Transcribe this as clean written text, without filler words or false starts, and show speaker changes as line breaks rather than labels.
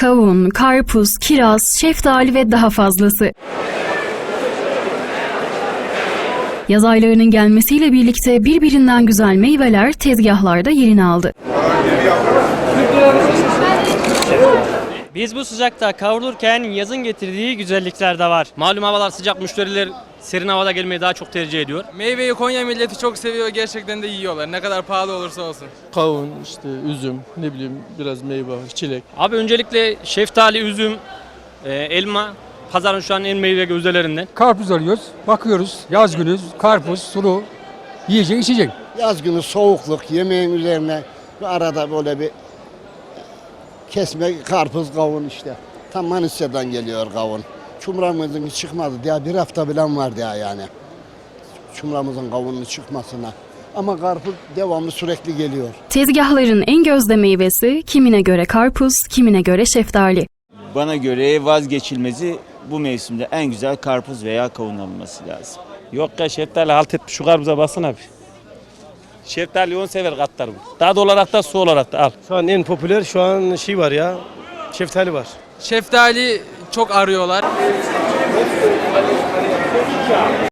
kavun, karpuz, kiraz, şeftali ve daha fazlası. Yaz aylarının gelmesiyle birlikte birbirinden güzel meyveler tezgahlarda yerini aldı.
Biz bu sıcakta kavrulurken yazın getirdiği güzellikler de var. Malum havalar sıcak, müşteriler serin havada gelmeyi daha çok tercih ediyor.
Meyveyi Konya milleti çok seviyor, gerçekten de yiyorlar. Ne kadar pahalı olursa olsun.
Kavun, işte üzüm, ne bileyim biraz meyve, çilek.
Abi öncelikle şeftali, üzüm, elma pazarın şu an en meyve gözdelerinden.
Karpuz alıyoruz, bakıyoruz. Yaz günü karpuz, sulu, yiyecek, içecek.
Yaz günü soğukluk, yemeğin üzerine arada böyle bir kesme karpuz, kavun işte. Tam Manisa'dan geliyor kavun. Çumramızın çıkmadı diye bir hafta bilen var diye yani. Çumramızın kavunun çıkmasına. Ama karpuz devamlı sürekli geliyor.
Tezgahların en gözde meyvesi kimine göre karpuz, kimine göre şeftali.
Bana göre vazgeçilmezi bu mevsimde en güzel karpuz veya kavun alınması lazım.
Yok ya şeftali halt etmiş, şu karpuza baksana abi. Şeftali 10 sever katlar bu. Tadı olarak da su olarak da al.
Şu an en popüler şu an var ya, şeftali var.
Şeftali çok arıyorlar.